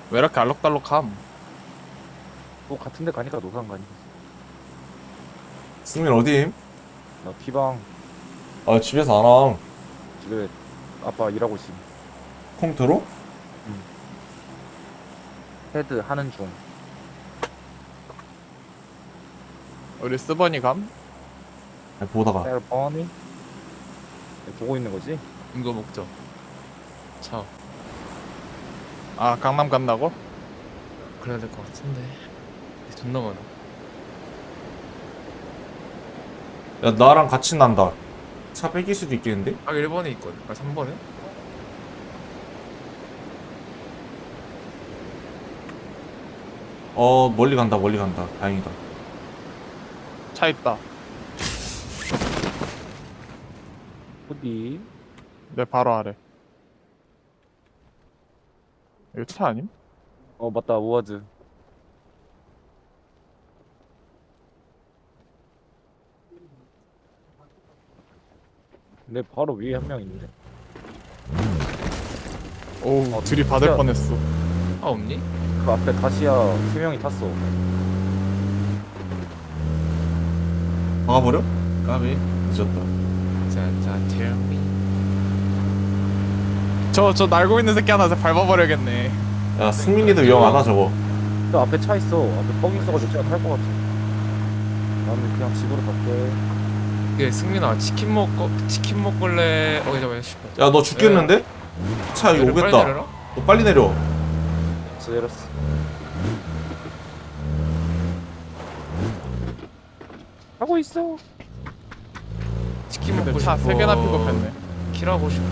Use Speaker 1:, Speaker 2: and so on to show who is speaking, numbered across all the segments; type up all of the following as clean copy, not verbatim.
Speaker 1: 왜 이렇게 알록달록함?
Speaker 2: 뭐 같은데 가니까 노상 가니.
Speaker 3: 승민 어디임?
Speaker 2: 나 피방
Speaker 3: 아 집에서 안 함.
Speaker 2: 집에 아빠 일하고 있음.
Speaker 3: 컴퓨터로?
Speaker 2: 응. 헤드 하는 중.
Speaker 1: 우리 스번이 감?
Speaker 3: 아니, 보다가.
Speaker 2: 셀버니 보고 있는 거지?
Speaker 4: 이거 먹자. 차.
Speaker 1: 아 강남 간다고?
Speaker 4: 그래야 될 것 같은데. 존나 많아.
Speaker 3: 야 나랑 같이 난다. 차 뺏길 수도 있겠는데?
Speaker 4: 딱 1번에 있거든. 아 3번에?
Speaker 3: 멀리 간다 멀리 간다. 다행이다.
Speaker 1: 차 있다.
Speaker 2: 어디?
Speaker 1: 내 바로 아래. 이거 차 아님?
Speaker 2: 어 맞다 우아즈. 내 바로 위에 한 명 있는데.
Speaker 1: 오 둘이 받을
Speaker 2: 진짜.
Speaker 1: 뻔했어.
Speaker 4: 아 없니?
Speaker 2: 그 앞에 다시야 세 명이 탔어.
Speaker 3: 막아버려? 까비. 늦었다.
Speaker 4: 자, tell me.
Speaker 1: 저 날고 있는 새끼 하나 밟아버려야겠네.
Speaker 3: 야 승민이도 위험하다 저거.
Speaker 2: 저 앞에 차 있어. 앞에 뻥 있어가지고 제가 탈 것 같아. 나는 그냥 집으로 갈게.
Speaker 4: 그 승민아 치킨 먹을래? 잠깐만 씨발.
Speaker 3: 야 너 죽겠는데? 차 이거
Speaker 4: 빨리
Speaker 3: 오겠다.
Speaker 4: 내려라?
Speaker 3: 너 빨리 내려.
Speaker 2: 그래서 내렸어. 하고 있어.
Speaker 4: 치킨
Speaker 1: 근데
Speaker 4: 먹고
Speaker 1: 차
Speaker 4: 싶어.
Speaker 1: 3개나 픽업했네.
Speaker 4: 킬하고 싶어.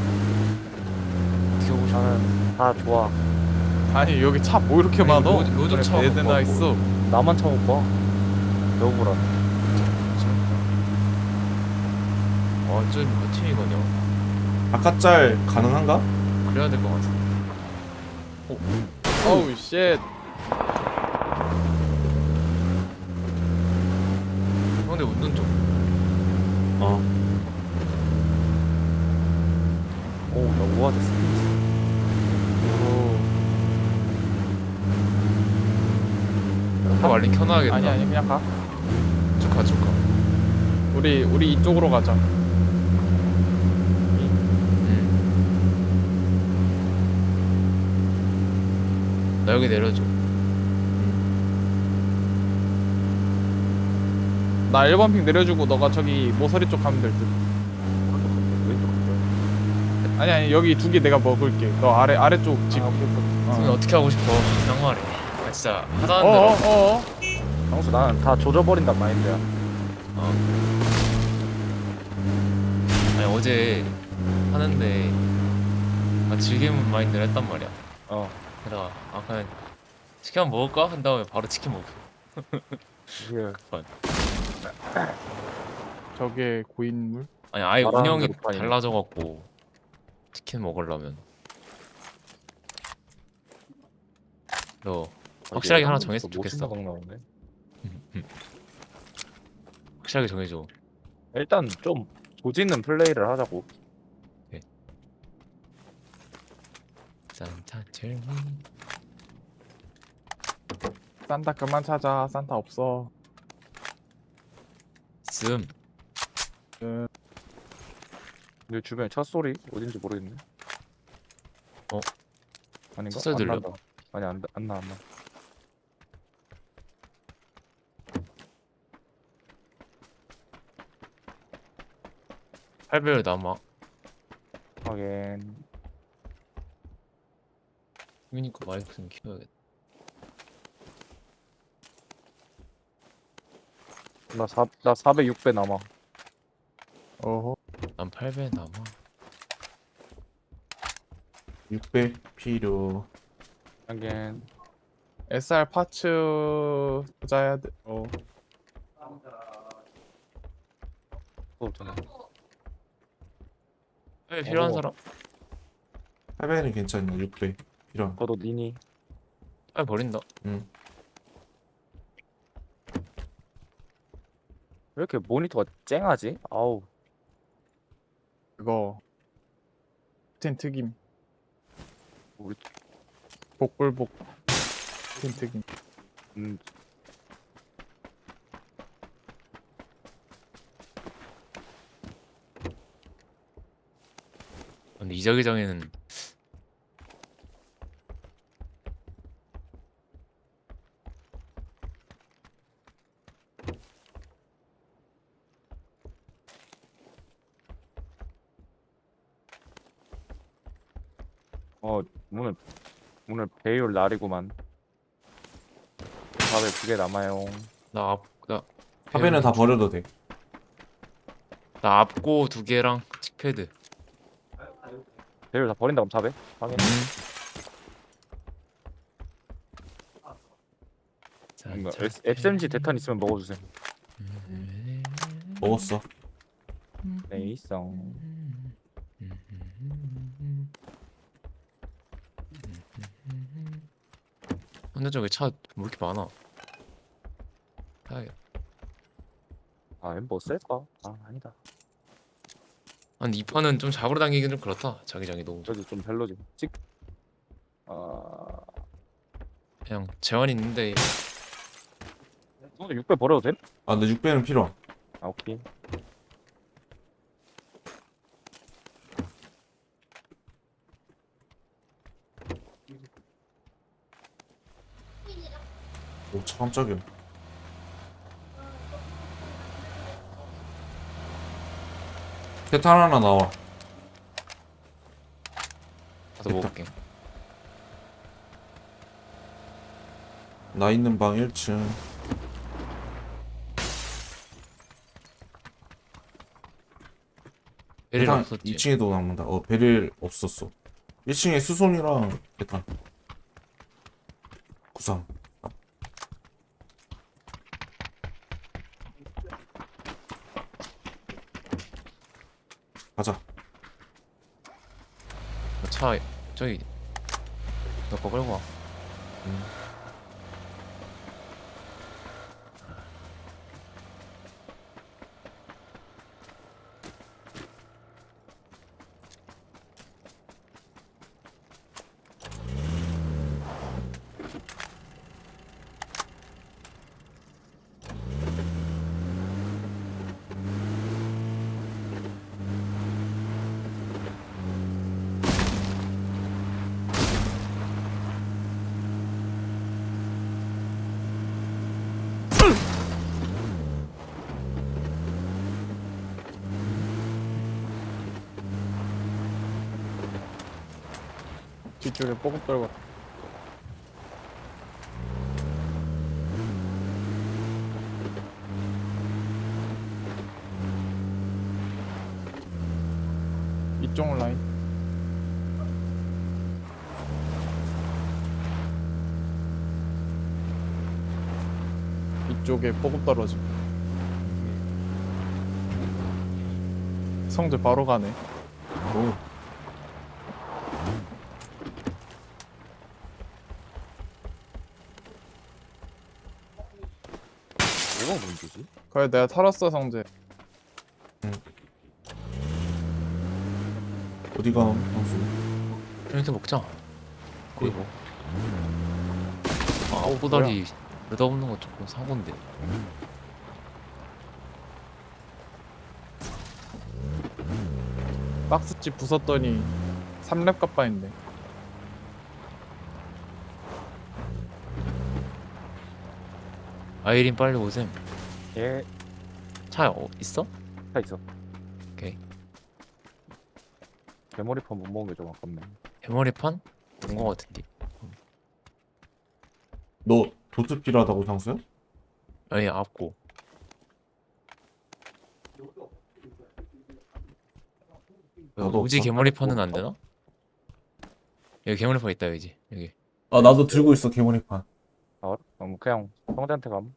Speaker 4: 어떻게 하고 싶어?
Speaker 2: 나는 다 좋아.
Speaker 1: 아니 여기 차 뭐 이렇게 많어?
Speaker 4: 로저 차
Speaker 1: 네 대나
Speaker 4: 갖고
Speaker 1: 있어.
Speaker 2: 나만 차 못 봐. 여보라.
Speaker 4: 완전 몇 팀이거든요.
Speaker 3: 아까 짤 가능한가?
Speaker 4: 그래야 될 것 같은데.
Speaker 1: 어우 쉣.
Speaker 4: 근데 운전 좀.
Speaker 3: 어.
Speaker 2: 오, 나 우아즈 스킨 있어.
Speaker 4: 다 말린 켜놔야겠다.
Speaker 1: 아니 그냥 가.
Speaker 4: 쭉 가.
Speaker 1: 우리 이쪽으로 가자.
Speaker 4: 나 여기 내려줘.
Speaker 1: 나 1번 픽 내려주고 너가 저기 모서리 쪽 가면 될 듯.
Speaker 2: 오른쪽 갈게. 왼쪽 갈게.
Speaker 1: 아니 여기 2개 내가 먹을게. 너 아래쪽 집.
Speaker 2: 아, 오케이, 오케이.
Speaker 4: 승민 어떻게 하고 싶어? 그냥 말해. 아 진짜 하자는 대로.
Speaker 1: 어어어.
Speaker 2: 당수 나는 다 조져버린단 마인드야.
Speaker 4: 아니 어제 하는데 즐기는 마인드를 했단 말이야.
Speaker 2: 어.
Speaker 4: 게다가 그냥 치킨 한번 먹을까? 한 다음에 바로 치킨 먹고.
Speaker 2: 이게
Speaker 4: 급한.
Speaker 1: 저게 고인물?
Speaker 4: 아니 아예
Speaker 2: 말하는
Speaker 4: 운영이
Speaker 2: 대로 파이네.
Speaker 4: 달라져갖고 치킨 먹으려면 너 확실하게 하나 정했으면 좋겠어.
Speaker 2: 생각 나오네.
Speaker 4: 확실하게 정해줘.
Speaker 2: 일단 좀 조지는 플레이를 하자고.
Speaker 4: 짠짠 젤미.
Speaker 1: 산타 그만 찾아. 산타 없어.
Speaker 4: 씀.
Speaker 2: 내 주변에 차 소리 어딘지 모르겠네.
Speaker 4: 어?
Speaker 2: 아닌가?
Speaker 4: 차 소리
Speaker 2: 안
Speaker 4: 들려.
Speaker 2: 난다. 아니 안 나.
Speaker 4: 8배율 남아.
Speaker 2: 하긴.
Speaker 4: 그러니까 마이크 좀 키워야겠다.
Speaker 2: 나 400, 6배 남아.
Speaker 1: 어허.
Speaker 4: 난 8배 남아.
Speaker 3: 600 필요.
Speaker 2: 하긴.
Speaker 1: SR 파츠 찾아야 돼.
Speaker 2: 또 없잖아.
Speaker 4: 배 필요한
Speaker 2: 어.
Speaker 4: 사람?
Speaker 3: 800은 괜찮냐 600 필요.
Speaker 2: 너도 니니.
Speaker 4: 빨리 버린다.
Speaker 3: 응.
Speaker 2: 왜 이렇게 모니터가 쨍하지? 아우.
Speaker 1: 그거. 텐 특임.
Speaker 2: 우리
Speaker 1: 복불복 틴트긴.
Speaker 2: 음,
Speaker 4: 근데 이 자기장에는
Speaker 2: 오늘 배율 날이구만. 밥에 2개 남아요.
Speaker 4: 나
Speaker 3: 화면은 다 버려도 돼.
Speaker 4: 나 앞고 2개랑 칙패드.
Speaker 2: 배율 다 버린다 그럼 밥에? 확인. SMG 대탄 있으면 먹어주세요.
Speaker 3: 먹었어.
Speaker 2: 네, 있어.
Speaker 4: 근데 저기 차 왜 이렇게 많아?
Speaker 2: 엠버 쓸까? 아니다.
Speaker 4: 아니 이 판은 좀 잡으러 당기긴 좀 그렇다. 자기장이 너무
Speaker 2: 저기 좀 별로지. 아,
Speaker 4: 그냥 재환이 있는데.
Speaker 2: 너 6배 버려도 돼?
Speaker 3: 아, 근데 6배는 필요.
Speaker 2: 오케이.
Speaker 3: 오, 차 깜짝이야. 대탄 하나 나와.
Speaker 4: 가서 먹을게.
Speaker 3: 나 있는 방 1층.
Speaker 4: 베릴
Speaker 3: 대탄
Speaker 4: 없었지.
Speaker 3: 2층에도 남는다. 베릴 없었어. 1층에 수송이랑 대탄. 구상. 가자.
Speaker 4: 차 저기 너 거 끌고 와.
Speaker 1: 뒤쪽에 뽀급 떨고. 이쪽 라인. 이쪽에 뽀급 떨어지. 성재 바로 가네.
Speaker 3: 오.
Speaker 2: 뭐가 문제지?
Speaker 1: 그래 내가 털었어 성재.
Speaker 3: 어디가, 형수?
Speaker 4: 이렇게 먹자. 그리고
Speaker 1: 뭐야?
Speaker 4: 꼬다리 느닷없는 거 조금 사고인데.
Speaker 1: 박스집 부쉈더니 3렙 값바인데.
Speaker 4: 아이린 빨리 오셈.
Speaker 2: 예,
Speaker 4: 차 있어?
Speaker 2: 차 있어.
Speaker 4: 오케이.
Speaker 2: 메모리판 못 먹은 게 좀 아깝네.
Speaker 4: 대머리판? 본 거 같은데.
Speaker 3: 너 도트 필요하다고, 상수야?
Speaker 4: 아니 앞고.
Speaker 3: 나도
Speaker 4: 우지
Speaker 3: 없어.
Speaker 4: 개머리판은 안 되나? 여기 개머리판 있다 여기. 여기.
Speaker 3: 아, 나도 들고 있어, 개머리판.
Speaker 2: 그냥 형제한테 감.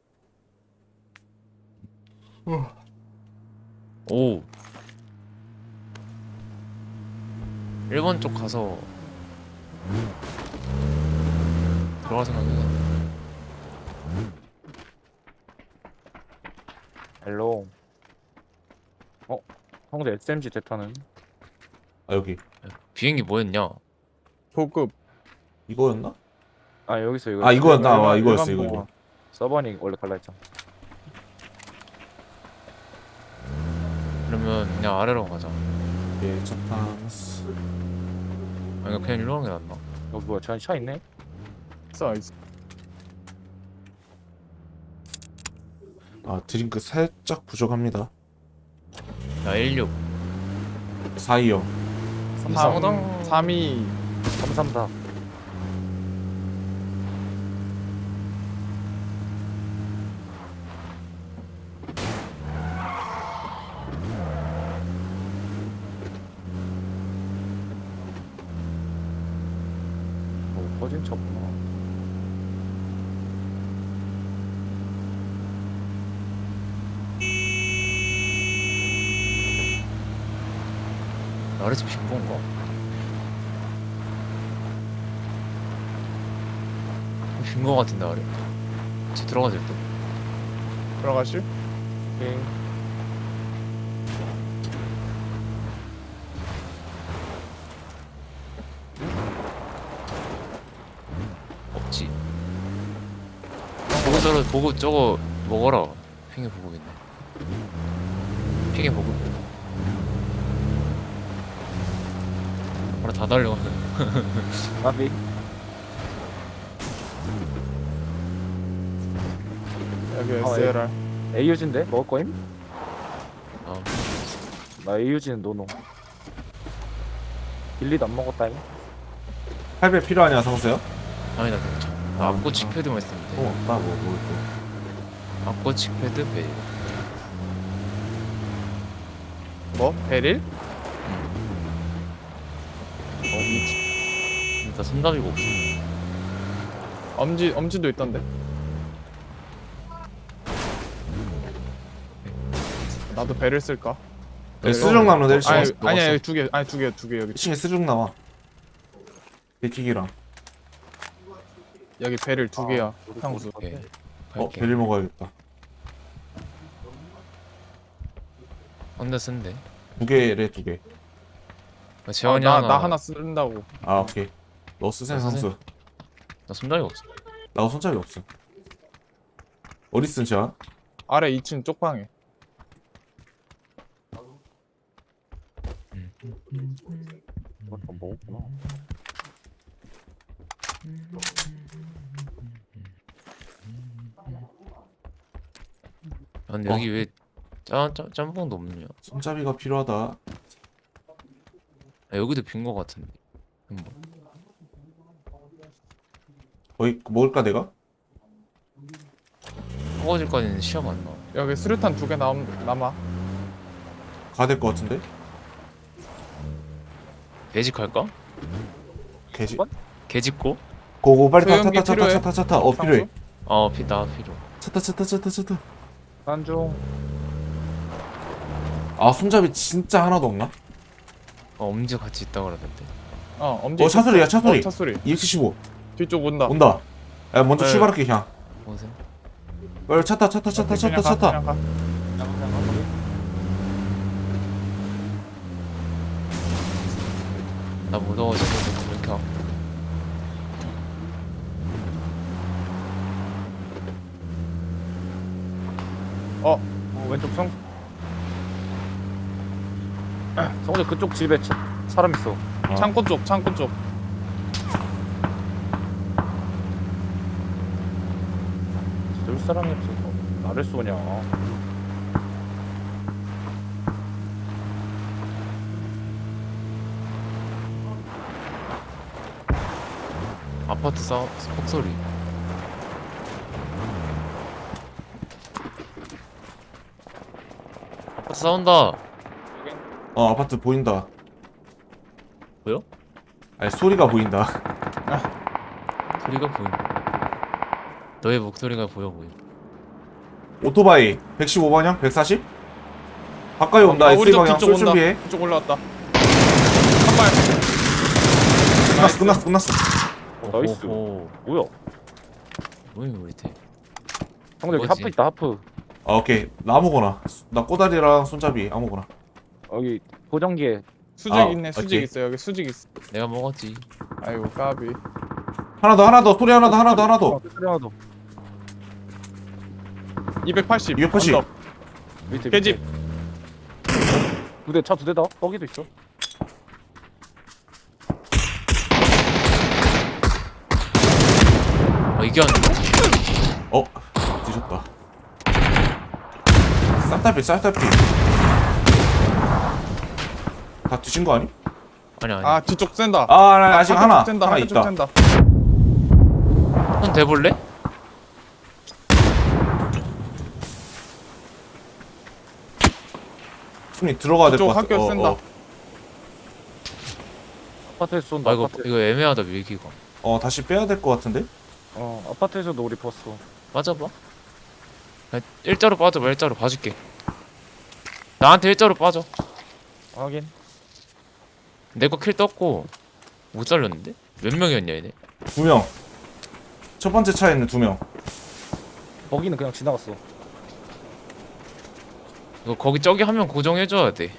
Speaker 4: 오. 1번 쪽 가서 들어갈 생각이야.
Speaker 2: 헬로. 형제 SMG 대탄은?
Speaker 3: 아, 여기.
Speaker 4: 비행기 뭐였냐?
Speaker 1: 보급.
Speaker 3: 이거였나?
Speaker 2: 아 여기 있어
Speaker 3: 아 이거 나
Speaker 1: 일반-
Speaker 3: 이거였어
Speaker 1: 일반
Speaker 3: 이거.
Speaker 2: 서버니 원래 갈라 했잖아.
Speaker 4: 그러면 그냥 아래로 가자.
Speaker 3: 예, 첫판스.
Speaker 4: 아니 그냥 일로 가는 게 낫나?
Speaker 2: 여기 뭐야? 저 차 있네?
Speaker 1: 있어.
Speaker 3: 아 드링크 살짝 부족합니다.
Speaker 4: 나 16.
Speaker 3: 4-2형.
Speaker 4: 3
Speaker 1: 3이
Speaker 2: 334. 꺼진 차구나.
Speaker 4: 아래 집 빈 건가? 빈거 같은데 아래. 집 들어가야 될 듯.
Speaker 1: 들어가실?
Speaker 2: 오케이.
Speaker 4: 없지. 보고 저러 보고 저거 먹어라. 핑계 보고겠네. 핑계 보고. 바로 다 달려가는.
Speaker 2: 나비.
Speaker 1: 여기
Speaker 2: 아,
Speaker 1: SLR.
Speaker 2: AUG인데? 먹을 거임?
Speaker 4: 아,
Speaker 2: 나 AUG는 노노. 빌리도 안 먹었다잉.
Speaker 3: 8배 필요하냐 성수야?
Speaker 4: 아니 나 괜찮아. 나
Speaker 3: 아,
Speaker 4: 앞고치
Speaker 3: 아.
Speaker 4: 패드만 있으면 돼.
Speaker 3: 없다 뭐 있고.
Speaker 4: 앞고치 패드 베일.
Speaker 1: 뭐? 베릴?
Speaker 4: 나 손잡이가 없어.
Speaker 1: 엄지도 있던데. 나도 배를 쓸까?
Speaker 3: 여기 수중 나무인데
Speaker 1: 아니,
Speaker 3: 1층에
Speaker 4: 먹었어.
Speaker 1: 아니야 여기 두 개. 아니 두 개 여기.
Speaker 3: 1층에 수중 나와. 백기기랑.
Speaker 1: 여기 배를 두 개야. 향수.
Speaker 4: 오케이.
Speaker 3: 어 베리 먹어야겠다.
Speaker 4: 혼자 쓴데.
Speaker 3: 2개래 2개.
Speaker 4: 재원이
Speaker 1: 나 하나 쓴다고.
Speaker 3: 아 오케이. 너 쓰세요
Speaker 4: 나 쓰세요.
Speaker 3: 성수.
Speaker 4: 나 손잡이가 없어.
Speaker 3: 나도 손잡이 없어. 어디 쓴 자?
Speaker 1: 아래 2층 쪽방에.
Speaker 2: 이거 좀 먹었구나.
Speaker 4: 아, 근데 여기 왜 짬뽕도 없느냐?
Speaker 3: 손잡이가 필요하다.
Speaker 4: 아, 여기도 빈 거 같은데. 한번.
Speaker 3: 거의 먹을까 내가?
Speaker 4: 허거질까지는 시야가 안 나와.
Speaker 1: 여기 수류탄 두 개 남아.
Speaker 3: 가야 될 것 같은데?
Speaker 4: 배직할까?
Speaker 3: 개지.
Speaker 2: 뭐?
Speaker 4: 개짓고?
Speaker 3: 고고 빨리 타
Speaker 1: 소형기 필요해?
Speaker 3: 차. 어 필요해.
Speaker 4: 나 필요.
Speaker 3: 차.
Speaker 2: 난중.
Speaker 3: 아 손잡이 진짜 하나도 없나?
Speaker 4: 엄지 같이 있다 그러던데.
Speaker 1: 엄지.
Speaker 3: 차 소리야, 차 소리.
Speaker 1: 차 소리.
Speaker 3: 275
Speaker 1: 뒤쪽 온다.
Speaker 3: 온다. 야 먼저
Speaker 1: 네.
Speaker 3: 출발할게 그냥.
Speaker 4: 보세요.
Speaker 3: 빨리 차 타.
Speaker 1: 그냥 가, 그냥 가.
Speaker 4: 나 무서워지고 이렇게 와.
Speaker 2: 왼쪽 성. 성재 그쪽 집에 사람 있어.
Speaker 1: 창고 쪽.
Speaker 2: 늘 사람이 없어서 나를 쏘냐.
Speaker 4: 아파트 폭소리. 아파트 싸운다.
Speaker 3: 어 아파트 보인다.
Speaker 4: 보여?
Speaker 3: 아니 소리가 보인다.
Speaker 4: 소리가 보여. 너의 목소리가 보여.
Speaker 3: 오토바이 115방향 140? 가까이 온다.
Speaker 1: 우리
Speaker 3: S
Speaker 1: 쪽
Speaker 3: 방향
Speaker 1: 뒤쪽
Speaker 3: 쏠
Speaker 1: 온다.
Speaker 3: 준비해.
Speaker 1: 뒤쪽 올라왔다. 한 발.
Speaker 3: 끝났어.
Speaker 2: 나이스.
Speaker 4: 오호.
Speaker 2: 뭐야?
Speaker 4: 뭐야 우리 팀.
Speaker 2: 성재 여기
Speaker 4: 뭐지?
Speaker 2: 하프 있다 하프.
Speaker 3: 아 오케이 나 아무거나. 나 꼬다리랑 손잡이 아무거나.
Speaker 2: 여기 보정기에
Speaker 1: 수직
Speaker 3: 아,
Speaker 1: 있네. 수직
Speaker 3: 오케이.
Speaker 1: 있어. 여기 수직 있어.
Speaker 4: 내가 먹었지.
Speaker 1: 아이고 까비.
Speaker 3: 하나 더 소리 하나 더.
Speaker 2: 소리 하나 더.
Speaker 1: 280.
Speaker 3: 280.
Speaker 1: 언덕.
Speaker 2: 밑에
Speaker 1: 계집.
Speaker 2: 두대 차 2대다. 뻐기도 있어.
Speaker 4: 이게 안 돼.
Speaker 3: 어 뒤졌다. 쌀탈피 다 뒤진 거 아니?
Speaker 4: 아니 아니.
Speaker 1: 아 뒤쪽 센다.
Speaker 3: 아직 하나
Speaker 1: 센다.
Speaker 3: 하나
Speaker 1: 한쪽
Speaker 3: 있다.
Speaker 1: 센다.
Speaker 4: 손 대볼래?
Speaker 3: 손이 들어가야 될 것
Speaker 1: 그쪽
Speaker 3: 같아.
Speaker 1: 학교 센다.
Speaker 2: 아파트에서 쏜다.
Speaker 4: 아 이거
Speaker 2: 아파트.
Speaker 4: 이거 애매하다 밀기가.
Speaker 3: 다시 빼야 될 것 같은데?
Speaker 2: 아파트에서도 우리 봤어.
Speaker 4: 빠져봐. 그냥 일자로 빠져봐. 일자로 봐줄게. 나한테 일자로 빠져.
Speaker 2: 확인.
Speaker 4: 내 거 킬 떴고 못 살렸는데? 몇 명이었냐 얘네?
Speaker 3: 2명. 첫 번째 차에 있는 2명.
Speaker 2: 뻐기는 그냥 지나갔어.
Speaker 4: 이거 거기 저기 한 명 고정해줘야 돼.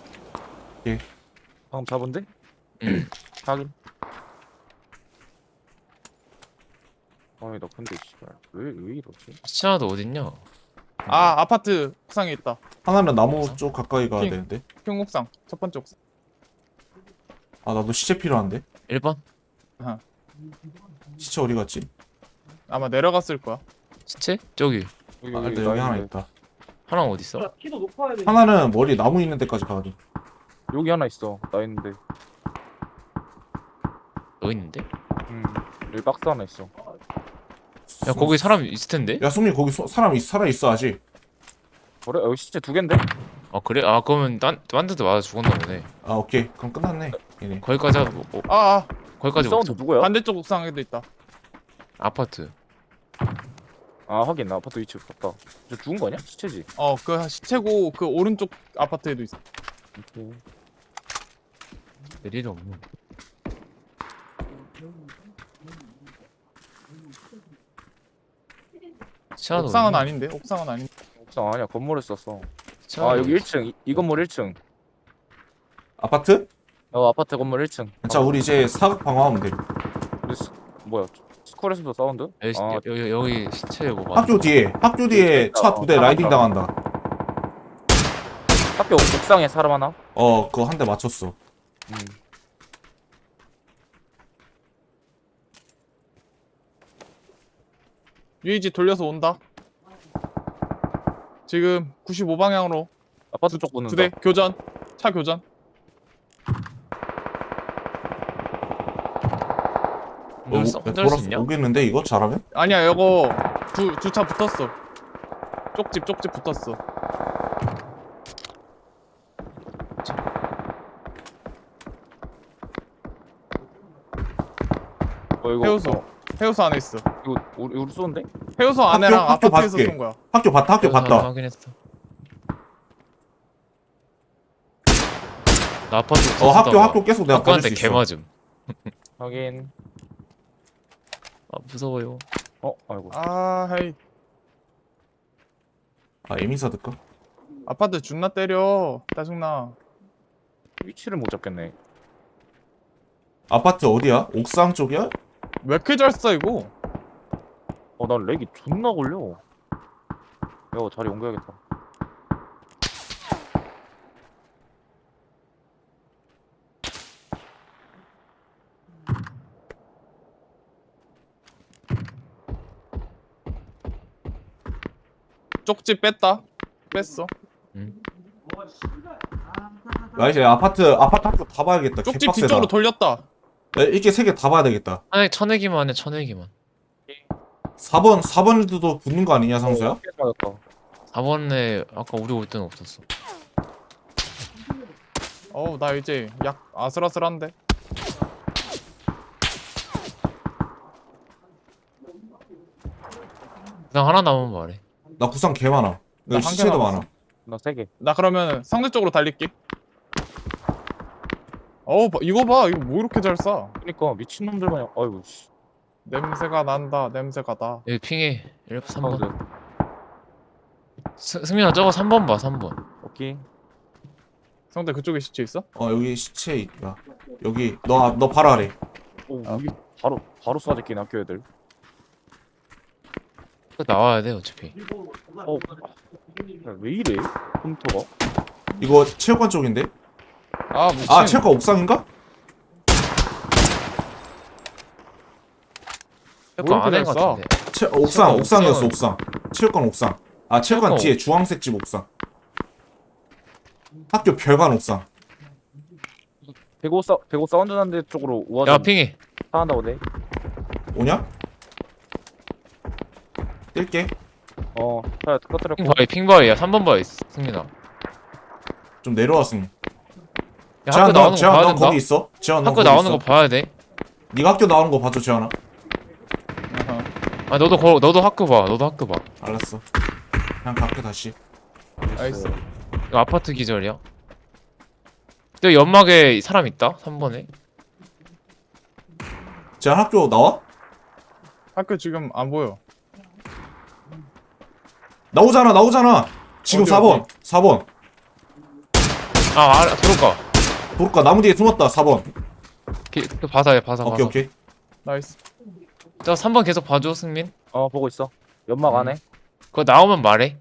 Speaker 2: 방금 잡은데?
Speaker 4: 응.
Speaker 2: 확인. 아니 나 근데 씨발 왜 이러지?
Speaker 4: 시차나도 어딨냐?
Speaker 1: 아 아파트 옥상에 있다.
Speaker 3: 하나는 나무 쪽 가까이 가야
Speaker 1: 핑.
Speaker 3: 되는데.
Speaker 1: 핑 옥상. 첫 번째 옥상.
Speaker 3: 나도 시체 필요한데.
Speaker 4: 1번?
Speaker 3: 시체 어디 갔지?
Speaker 1: 아마 내려갔을 거야.
Speaker 4: 시체? 저기
Speaker 3: 여기 하나 있다.
Speaker 4: 하나는 어딨어?
Speaker 3: 하나는 머리 나무 있는 데까지 가야 돼.
Speaker 2: 여기 하나 있어. 나 있는데.
Speaker 4: 너 있는데?
Speaker 2: 여기 박스 하나 있어.
Speaker 4: 야 거기 사람 있을 텐데?
Speaker 3: 야 소미 거기 사람 살아 있어 아직.
Speaker 2: 그래? 여기 시체 2개인데?
Speaker 4: 아 그래? 아 그러면 딴 데도 맞아 죽었나 보네.
Speaker 3: 오케이 그럼 끝났네. 얘네.
Speaker 4: 거기까지 하고
Speaker 1: 아
Speaker 4: 거기까지
Speaker 2: 사운드
Speaker 4: 먹자.
Speaker 2: 누구야?
Speaker 1: 반대쪽 옥상에도 있다.
Speaker 4: 아파트.
Speaker 2: 하긴 나 아파트 위치 봤다. 저 죽은 거 아니야? 시체지?
Speaker 1: 그 시체고 그 오른쪽 아파트에도 있어.
Speaker 2: 오케이.
Speaker 4: 내리도 없는. 시차나도
Speaker 1: 옥상은
Speaker 4: 어딨냐?
Speaker 1: 아닌데. 옥상은 아닌데.
Speaker 2: 옥상 아니야. 건물에 썼어.
Speaker 4: 시차나도
Speaker 2: 여기
Speaker 4: 어딨어?
Speaker 2: 1층. 이 건물 1층.
Speaker 3: 아파트?
Speaker 2: 아파트 건물 1층.
Speaker 3: 자 우리 이제 사각 방어하면 돼.
Speaker 2: 뭐야? 스쿨에서도 사운드?
Speaker 4: 여기 시체 뭐 봐.
Speaker 3: 학교 뒤에 차 2대 라이딩 당한다.
Speaker 2: 학교 옥상에 사람 하나?
Speaker 3: 그거 한 대 맞췄어.
Speaker 1: 유이지 돌려서 온다. 지금 95방향으로
Speaker 2: 아파트 쪽 보는다.
Speaker 1: 2대 교전. 차 교전.
Speaker 4: 혼자 할 수 있냐?
Speaker 3: 오겠는데 이거 잘하면?
Speaker 1: 아니야 이거 두 차 붙었어. 쪽집 붙었어.
Speaker 2: 이거
Speaker 1: 해우소 안에 있어.
Speaker 2: 이거 우리 쏘는데?
Speaker 1: 해우소 안에랑
Speaker 3: 학교
Speaker 1: 아파트에서
Speaker 3: 밖에.
Speaker 1: 쏜 거야.
Speaker 3: 학교 봤다.
Speaker 4: 확인했어. 나 아파트
Speaker 3: 학교 계속 내가 봐줄
Speaker 4: 학교한테
Speaker 3: 수
Speaker 4: 개
Speaker 3: 있어.
Speaker 4: 맞음.
Speaker 2: 확인.
Speaker 4: 아 무서워요.
Speaker 2: 아이고.
Speaker 1: 헤이.
Speaker 3: 에미사 들까?
Speaker 1: 아파트 존나 때려. 짜증나.
Speaker 2: 위치를 못 잡겠네.
Speaker 3: 아파트 어디야? 옥상 쪽이야?
Speaker 1: 왜 이렇게 잘 써 이거?
Speaker 2: 난 렉이 존나 걸려. 야, 자리 옮겨야겠다.
Speaker 1: 쪽집 뺐다. 뺐어.
Speaker 3: 나 이제 아파트 학교 다 봐야겠다.
Speaker 1: 쪽집
Speaker 3: 개빡세다.
Speaker 1: 뒤쪽으로 돌렸다.
Speaker 3: 이게 3개 다 봐야 되겠다.
Speaker 4: 쳐내기만 해 쳐내기만.
Speaker 3: 4번에도 붙는 거 아니냐 상수야?
Speaker 2: 맞았다.
Speaker 4: 4번에 아까 우리 올 때는 없었어.
Speaker 1: 나 이제 약 아슬아슬한데.
Speaker 4: 그냥 하나 남으면 말해.
Speaker 3: 나 구상 개 많아.
Speaker 1: 나
Speaker 3: 여기
Speaker 1: 한개
Speaker 3: 시체도
Speaker 1: 남았어.
Speaker 3: 많아.
Speaker 2: 나 3개.
Speaker 1: 나 그러면 상대 쪽으로 달릴게. 이거 봐. 이거 뭐 이렇게 잘 쏴?
Speaker 2: 그니까 미친놈들 마냥. 아이고 씨.
Speaker 1: 냄새가 난다. 냄새가 나.
Speaker 4: 여기 핑해 3번.
Speaker 2: 사운드.
Speaker 4: 승민아 저거 3번 봐 3번.
Speaker 2: 오케이.
Speaker 1: 상대 그쪽에 시체 있어?
Speaker 3: 여기 시체 있다. 여기 너 바로 아래.
Speaker 2: 오,
Speaker 1: 아.
Speaker 2: 여기 바로 쏴질긴 학교 애들.
Speaker 4: 나와야 돼 어차피.
Speaker 2: 야, 왜 이래? 컴퓨터가?
Speaker 3: 이거 체육관 쪽인데?
Speaker 1: 아 미친.
Speaker 3: 아 체육관 옥상인가?
Speaker 4: 약간 안에
Speaker 1: 이렇게 잘
Speaker 4: 같은데.
Speaker 3: 옥상
Speaker 4: 체육관
Speaker 3: 옥상이었어
Speaker 4: 옥상은-
Speaker 3: 옥상. 체육관 옥상. 아 체육관
Speaker 4: 체육관
Speaker 3: 뒤에 주황색 집 옥상. 학교 별관 옥상.
Speaker 2: 대고 사운드 난데 쪽으로
Speaker 4: 야
Speaker 2: 우아전
Speaker 4: 핑이.
Speaker 2: 사한다고 돼.
Speaker 3: 오냐? 뛸게.
Speaker 2: 자 터뜨렸고.
Speaker 4: 핑바위야 3번 바위 승민아.
Speaker 3: 좀 내려왔으니.
Speaker 4: 야
Speaker 3: 재환
Speaker 4: 학교
Speaker 3: 너
Speaker 4: 나오는 거
Speaker 3: 재환
Speaker 4: 봐야
Speaker 3: 너
Speaker 4: 된다.
Speaker 3: 거기 있어? 재환 너
Speaker 4: 학교
Speaker 3: 거기
Speaker 4: 나오는
Speaker 3: 있어?
Speaker 4: 거 봐야 돼.
Speaker 3: 네가 학교 나오는 거 봐줘 재환아.
Speaker 1: 아하.
Speaker 4: 아 너도 학교 봐. 너도 학교 봐.
Speaker 3: 알았어. 그냥 갈게 다시.
Speaker 1: 나이스.
Speaker 4: 이거 아파트 기절이야. 저 연막에 사람 있다. 3번에.
Speaker 3: 재환 학교 나와?
Speaker 1: 학교 지금 안 보여.
Speaker 3: 나오잖아. 지금
Speaker 1: 어디,
Speaker 3: 4번.
Speaker 1: 어디?
Speaker 3: 4번.
Speaker 4: 들어올까.
Speaker 3: 도로가 나무 뒤에 숨었다. 4번.
Speaker 4: 그 봐서 봐서.
Speaker 3: 오케이.
Speaker 1: 나이스.
Speaker 4: 저 3번 계속 봐줘 승민.
Speaker 2: 보고 있어. 연막 안에.
Speaker 4: 그거 나오면 말해.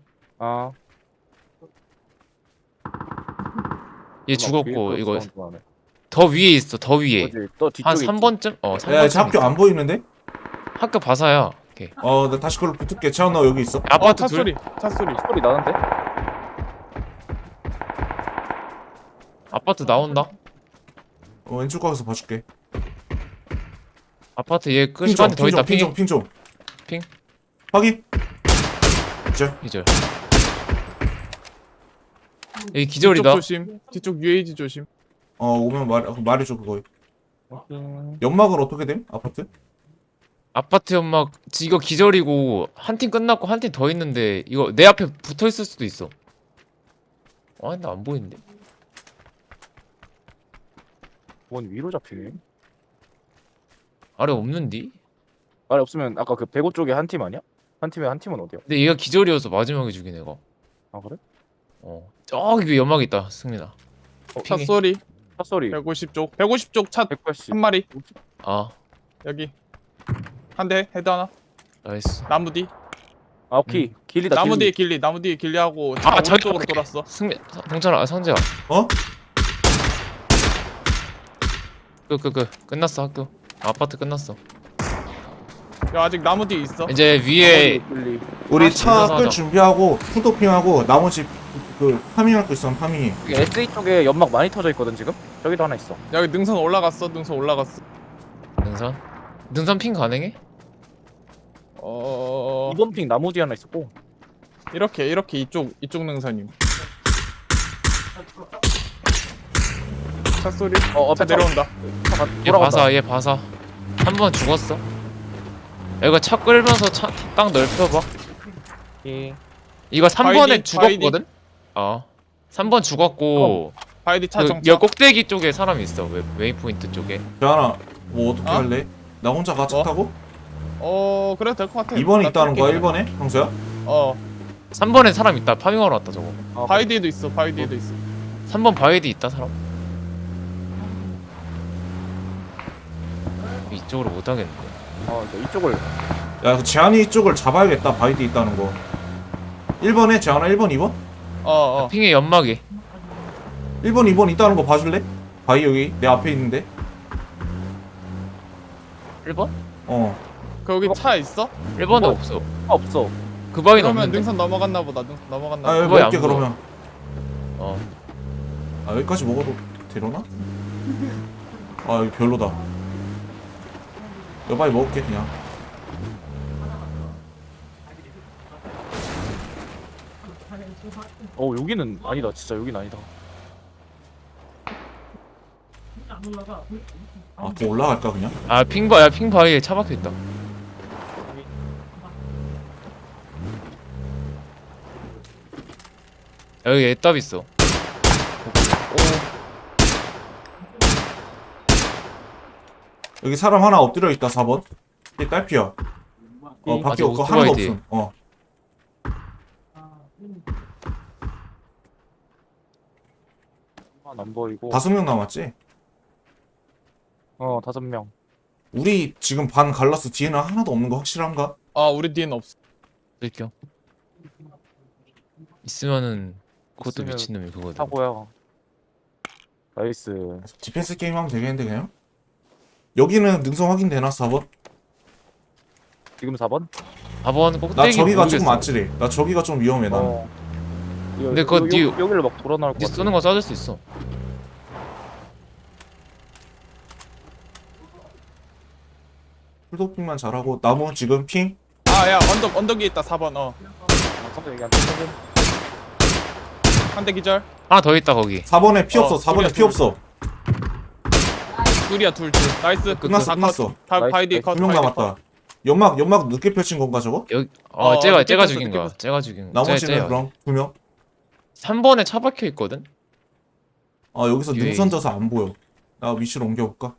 Speaker 4: 얘 죽었고 이거 더 위에 있어. 더 위에.
Speaker 2: 또 뒤쪽에
Speaker 4: 한
Speaker 2: 있지.
Speaker 4: 3번쯤?
Speaker 3: 야,
Speaker 4: 3번쯤
Speaker 3: 쟤 학교 안 보이는데?
Speaker 4: 학교 봐서야. 오케이.
Speaker 3: 나 다시 그걸로 붙을게. 재환 너 여기 있어.
Speaker 4: 아파트
Speaker 1: 차
Speaker 4: 둘.
Speaker 1: 소리. 차 소리.
Speaker 2: 소리 나는데?
Speaker 4: 아파트 나온다.
Speaker 3: 왼쪽 가서 봐줄게.
Speaker 4: 아파트 얘 끝까지 더 있다. 핑.
Speaker 3: 핑 좀.
Speaker 4: 핑.
Speaker 3: 확인. 이제
Speaker 4: 기절. 여기 기절이다.
Speaker 1: 뒤쪽 조심. 뒤쪽 UAG 조심.
Speaker 3: 오면 말해줘 그거. 연막은 어떻게 됨? 아파트?
Speaker 4: 아파트 연막 이거 기절이고 한 팀 끝났고 한 팀 더 있는데 이거 내 앞에 붙어 있을 수도 있어. 나 안 보이는데.
Speaker 2: 뭔 위로 잡히네.
Speaker 4: 아래 없는디?
Speaker 2: 아니 없으면 아까 그 배고 쪽에 한 팀 아니야? 한 팀에 한 팀은 어디야?
Speaker 4: 근데 얘가 기절이어서 마지막에 죽인 애가.
Speaker 2: 그래?
Speaker 4: 저기 위에 연막 있다 승민아.
Speaker 1: 차
Speaker 4: 핑이.
Speaker 1: 소리.
Speaker 2: 차 소리.
Speaker 1: 150쪽. 150쪽 차 한
Speaker 2: 180.
Speaker 1: 마리.
Speaker 4: 아
Speaker 1: 여기. 한 대. 헤드 하나.
Speaker 4: 나이스.
Speaker 1: 나무 뒤.
Speaker 2: 오케이. 길리다.
Speaker 1: 나무 뒤에
Speaker 2: 길리.
Speaker 1: 길리. 나무 뒤에 길리하고 차
Speaker 4: 저기
Speaker 1: 오른쪽으로 돌았어.
Speaker 4: 승민 동철아 성재야.
Speaker 3: 어?
Speaker 4: 끝났어 학교. 아파트 끝났어.
Speaker 1: 야 아직 나무 뒤에 있어.
Speaker 4: 이제 위에
Speaker 2: 길리.
Speaker 3: 우리
Speaker 4: 다시
Speaker 3: 차
Speaker 4: 올라가자.
Speaker 3: 끌 준비하고 푸도핑하고 나머지 그 파밍할 거 있으면 파밍해.
Speaker 2: 여기 SE 쪽에 연막 많이 터져 있거든 지금. 저기도 하나 있어.
Speaker 1: 여기 능선 올라갔어. 능선 올라갔어.
Speaker 4: 능선 핑 가능해?
Speaker 2: 이번 핑 나무 뒤에 하나 있었고.
Speaker 1: 이렇게 이쪽 능선임. 차 소리. 차
Speaker 2: 앞에
Speaker 1: 내려온다.
Speaker 4: 얘 봐서 얘 봐서 한 번 죽었어. 야, 이거 차 끌면서 차 딱 넓혀봐. 이거 3번에
Speaker 1: 바이디?
Speaker 4: 죽었거든? 3번 죽었고
Speaker 1: 바이디 차
Speaker 4: 그
Speaker 1: 정차.
Speaker 4: 여 꼭대기 쪽에 사람 있어. 웨이포인트 쪽에.
Speaker 3: 재환아 뭐 어떻게
Speaker 1: 어?
Speaker 3: 할래? 나 혼자 가 차
Speaker 1: 뭐?
Speaker 3: 타고?
Speaker 1: 그래도 될 것 같아.
Speaker 3: 2번에
Speaker 1: 나
Speaker 3: 있다는 거야
Speaker 1: 뛸게.
Speaker 3: 1번에? 형수야?
Speaker 4: 3번에 사람 있다. 파밍하러 왔다 저거.
Speaker 1: 바이디에도 있어. 바이디에도 있어.
Speaker 4: 3번 바위디 있다 사람. 이쪽으로 못 하겠는데.
Speaker 2: 이쪽을.
Speaker 3: 야, 그 재환이 쪽을 잡아야겠다. 바이드 있다는 거. 1번에 재환아 1번 2번?
Speaker 4: 핑의 연막이.
Speaker 3: 1번 2번 있다는 거 봐줄래? 바이 여기 내 앞에 있는데.
Speaker 4: 1번?
Speaker 1: 거기 차 있어?
Speaker 4: 1번에
Speaker 2: 뭐?
Speaker 4: 없어.
Speaker 2: 없어.
Speaker 4: 그 바위는
Speaker 1: 그러면
Speaker 4: 없는데.
Speaker 1: 능선 넘어갔나 보다. 능선 넘어갔나
Speaker 3: 아
Speaker 1: 보다.
Speaker 3: 여기
Speaker 4: 그거야,
Speaker 3: 먹을게
Speaker 4: 안 보여.
Speaker 3: 그러면.
Speaker 4: 어.
Speaker 3: 여기까지 먹어도 되려나? 여기 별로다. 여바이 먹을게 그냥.
Speaker 2: 여기는 아니다. 진짜 여기는 아니다.
Speaker 3: 더 올라갈까 그냥?
Speaker 4: 핑 바위에 차 박혀 있다. 여기 애답 있어.
Speaker 3: 여기 사람 하나 엎드려 있다 4번. 이게 딸피야. 밖에
Speaker 4: 아직
Speaker 3: 없고 하나도
Speaker 4: 오토바이 뒤에.
Speaker 3: 없음.
Speaker 2: 안 보이고.
Speaker 3: 5명 남았지?
Speaker 2: 5명.
Speaker 3: 우리 지금 반 갈라서 뒤에는 하나도 없는 거 확실한가?
Speaker 1: 아 우리 뒤에는 없어.
Speaker 4: 쓸게요. 있으면은 그것도
Speaker 2: 있으면
Speaker 4: 미친놈이 그거든.
Speaker 2: 사고야. 나이스.
Speaker 3: 디펜스 게임 하면 되겠는데 그냥? 여기는 능선 확인되나 4번?
Speaker 2: 지금 4번?
Speaker 4: 4번
Speaker 3: 나
Speaker 4: 꼭대기
Speaker 3: 저기가
Speaker 4: 모르겠어.
Speaker 3: 조금 아찔해. 나 저기가 좀 위험해 나는.
Speaker 4: 근데 그거 니-
Speaker 2: 여기를 막 돌아 나올 것
Speaker 4: 니
Speaker 2: 같아.
Speaker 4: 쏘는 거 쏴줄 수 있어.
Speaker 3: 풀도핑만 잘하고 나무 지금 핑?
Speaker 1: 아야 언덕 위에 있다 4번.
Speaker 2: 상대 얘기 안 듣는
Speaker 1: 한 대 기절.
Speaker 4: 하나 더 있다 거기.
Speaker 3: 4번에 피 없어. 4번에
Speaker 1: 둘이야,
Speaker 3: 피
Speaker 1: 둘.
Speaker 3: 없어.
Speaker 1: 둘이야 둘. 나이스.
Speaker 3: 끝났어 끝났어.
Speaker 2: 나이스,
Speaker 1: 바이디
Speaker 2: 나이스.
Speaker 1: 컷.
Speaker 3: 2명 남았다. 연막 늦게 펼친 건가 저거?
Speaker 4: 여기
Speaker 1: 늦게
Speaker 4: 쟤가
Speaker 1: 폈어,
Speaker 4: 죽인
Speaker 1: 늦게
Speaker 4: 거야.
Speaker 1: 폈어.
Speaker 4: 쟤가 죽인.
Speaker 3: 나머지는 그럼 2명?
Speaker 4: 3번에 차 박혀 있거든.
Speaker 3: 아 여기서
Speaker 4: 뒤에
Speaker 3: 능선 져서 안 보여. 나 위치로 옮겨볼까?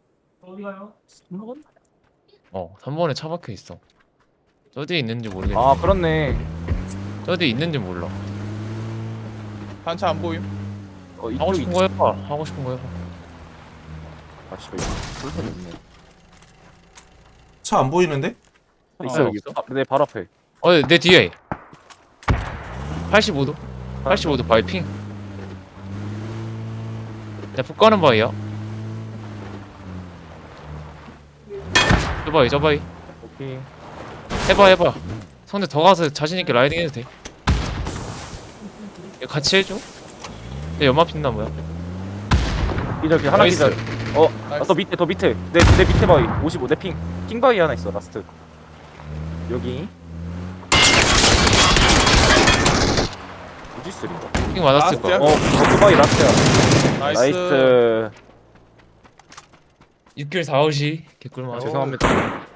Speaker 4: 3번에 차 박혀 있어. 저 뒤에 있는지 모르겠네.
Speaker 2: 아 그렇네.
Speaker 4: 저 뒤에 있는지 몰라.
Speaker 1: 단차 안 보임.
Speaker 4: 하고 싶은 거 해봐. 하고 싶은 거 해봐.
Speaker 2: 아 씨발 이거 불편이 없네.
Speaker 3: 차 안 보이는데?
Speaker 2: 있어 여기.
Speaker 4: 없어?
Speaker 2: 내 발 앞에.
Speaker 4: 내 뒤에. 85도. 85도 바위 핑. 야, 푹 가는 바위야. 저 바위.
Speaker 2: 오케이.
Speaker 4: 해봐. 성대 더 가서 자신있게 라이딩 해도 돼. 이거 같이 해줘? 내 연마 핀나 뭐야?
Speaker 2: 기절 하나
Speaker 4: 나이스.
Speaker 2: 기절. 더 밑에 내 밑에 바위 55 내 핑 바위 하나 있어 라스트. 여기. 어디 쓰린가?
Speaker 4: 핑 맞았을 거야.
Speaker 1: 라스트야?
Speaker 2: 그 바위 라스트야.
Speaker 1: 나이스.
Speaker 2: 나이스.
Speaker 4: 6킬 4호시 개꿀만.
Speaker 2: 죄송합니다.